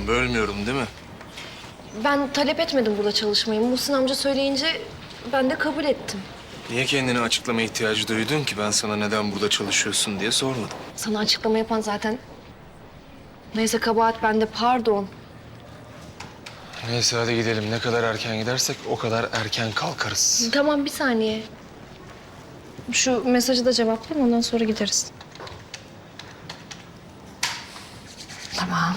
Tamam, bölmüyorum değil mi? Ben talep etmedim burada çalışmayı. Muhsin amca söyleyince ben de kabul ettim. Niye kendini açıklama ihtiyacı duydun ki? Ben sana neden burada çalışıyorsun diye sormadım. Sana açıklama yapan zaten... Neyse kabahat bende, pardon. Neyse hadi gidelim. Ne kadar erken gidersek o kadar erken kalkarız. Tamam, bir saniye. Şu mesajı da cevaplayayım, ondan sonra gideriz. Tamam.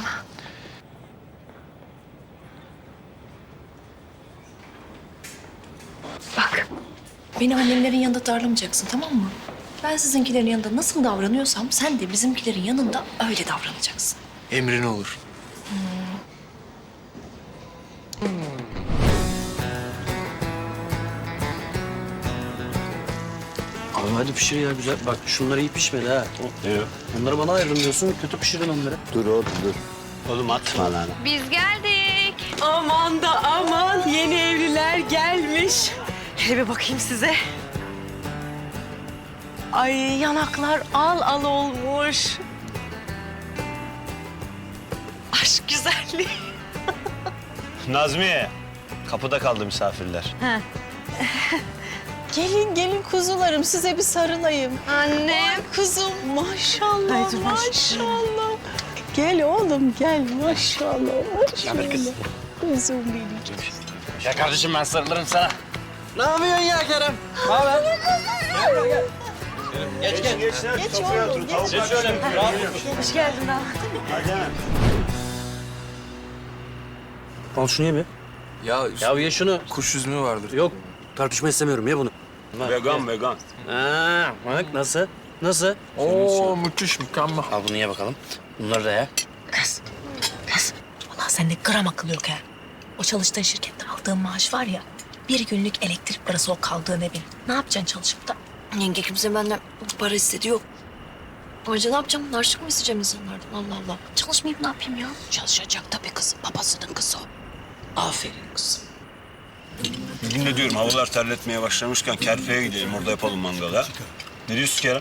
Bak, beni annemlerin yanında darlamayacaksın, tamam mı? Ben sizinkilerin yanında nasıl davranıyorsam sen de bizimkilerin yanında öyle davranacaksın. Emrin olur. Abi hadi pişir ya güzel. Bak şunlar iyi pişmedi ha. Onları bana ayırdım diyorsun. Kötü pişirdin onları. Dur oğlum dur. Oğlum atma lan. Biz geldik. Aman da aman, yeni evliler gelmiş. Hele bir bakayım size. Ay yanaklar al al olmuş. Aşk güzelliği. Nazmiye. Kapıda kaldı misafirler. Gelin gelin kuzularım, size bir sarılayım. Annem. Ay kuzum maşallah Haydi maşallah. Gel oğlum gel maşallah maşallah. Kuzum benim. Ya kardeşim ben sarılırım sana. Ne yapıyorsun ya Kerem? Ne haber? Gel. Geç gel. Geç oğlum, geç. Geç şöyle. Hoş geldin daha. Hadi hemen. Al şunu ye mi? Ya, Ya ye şunu. kuş üzümü vardır. Yok tartışma istemiyorum ye bunu. Vegan vegan. Ha, bak nasıl? Nasıl? Oo, müthiş, mükemmel. Al bunu ye bakalım. Bunları da ye. Kız. Ulan sende gram akıl yok ha. O çalıştığın şirkette aldığın maaş var ya... ...bir günlük elektrik parası o kaldığın evin. Ne yapacaksın çalışıp da? Yenge kimse benden para istedi yok. Ayrıca ne yapacağım? Harçlık mı isteyeceğim insanlardan? Allah Allah. Çalışmayayım ne yapayım ya? Çalışacak tabii kızım, babasının kızı o. Aferin kızım. Bugün de diyorum havalar terletmeye başlamışken Kerpe'ye gidelim. Orada yapalım mangalı ha. Ne diyorsun Kerem?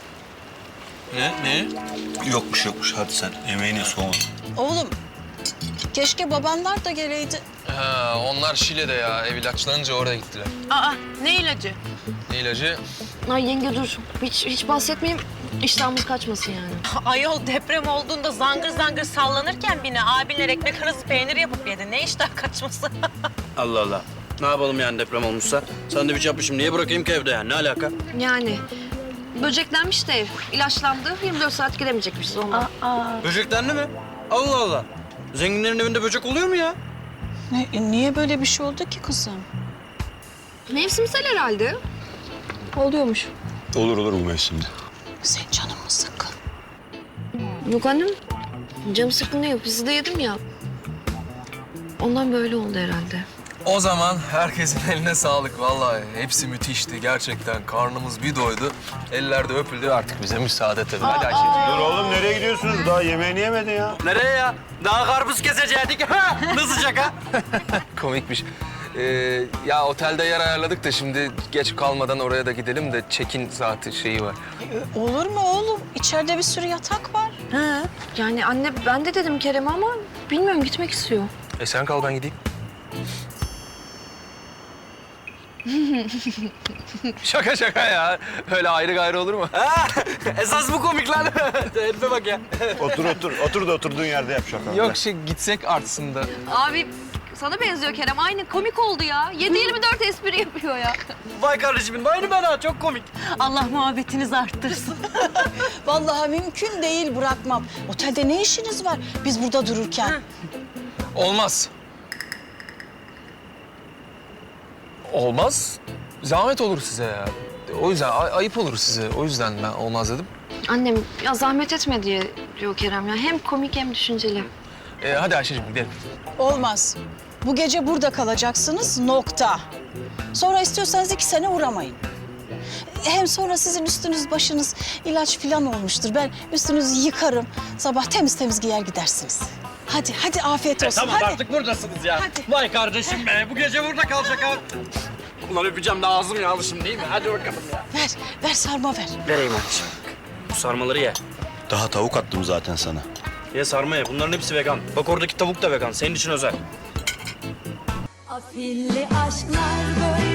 Ne? Yokmuş. Hadi sen yemeğini soğuma. Oğlum, keşke babanlar da geleydi. Ha, onlar Şile'de ya. Ev ilaçlanınca oraya gittiler. Aa, ne ilacı? Ne ilacı? Ay yenge dur. Hiç bahsetmeyeyim. İştahımız kaçmasın yani. Ayol deprem olduğunda zangır zangır sallanırken bina abinler ekmek arası peynir yapıp yedi. Ne iştah kaçması? Allah Allah. Ne yapalım yani deprem olmuşsa? Sandviç yapmışım. Niye bırakayım ki evde yani? Ne alaka? Yani böceklenmiş de ev. İlaçlandı. 24 saat giremeyecekmişiz ondan. Böceklendi mi? Allah Allah. Zenginlerin evinde böcek oluyor mu ya? Niye böyle bir şey oldu ki kızım? Mevsimsel herhalde. Oluyormuş. Olur bu mevsimde. Sen canın mı sıkkın? Yok annem. Canım sıkkın değil. Pizza da yedim ya. Ondan böyle oldu herhalde. O zaman herkesin eline sağlık vallahi. Hepsi müthişti gerçekten. Karnımız bir doydu. Eller de öpüldü. Artık bize müsaade tabii. Hadi Ayşe'ciğim. Dur oğlum nereye gidiyorsunuz? Daha yemeğini yemedin ya. Nereye ya? Daha karpuz kesecektik. Ne sıcak ha? Komikmiş. Ya otelde yer ayarladık da şimdi geç kalmadan oraya da gidelim de check-in saati şeyi var. Olur mu oğlum? İçeride bir sürü yatak var. Yani anne ben de dedim Kerem'e ama bilmiyorum gitmek istiyor. Sen kal ben gideyim. Şaka ya. Öyle ayrı gayrı olur mu? Esas bu komik lan. Herife bak ya. Otur da oturduğun yerde yap şaka. Yok gitsek artsın da. Abi sana benziyor Kerem. Aynı komik oldu ya. 7/24 espri yapıyor ya. Vay kardeşimin, aynı ben ha. Çok komik. Allah muhabbetinizi arttırsın. Vallahi mümkün değil, bırakmam. Otelde ne işiniz var biz burada dururken? Olmaz. Olmaz. Zahmet olur size ya. O yüzden ayıp olur size. O yüzden ben olmaz dedim. Annem ya zahmet etme diye diyor Kerem ya. Hem komik hem düşünceli. Hadi Ayşe'cim gidelim. Olmaz. Bu gece burada kalacaksınız, nokta. Sonra istiyorsanız 2 sene uğramayın. Hem sonra sizin üstünüz başınız ilaç falan olmuştur. Ben üstünüzü yıkarım. Sabah temiz temiz giyer gidersiniz. Hadi afiyet olsun. Tamam hadi. artık buradasınız ya. Hadi. Vay kardeşim be, bu gece burada kalacak ha. Ulan öpeceğim de ağzım yağlı şimdi değil mi? Hadi bakalım ya. Ver sarma ver. Vereyim anneciğim. Bu sarmaları ye. Daha tavuk attım zaten sana. Ye sarma ye. Bunların hepsi vegan. Bak oradaki tavuk da vegan. Senin için özel. Afilli aşklar böyle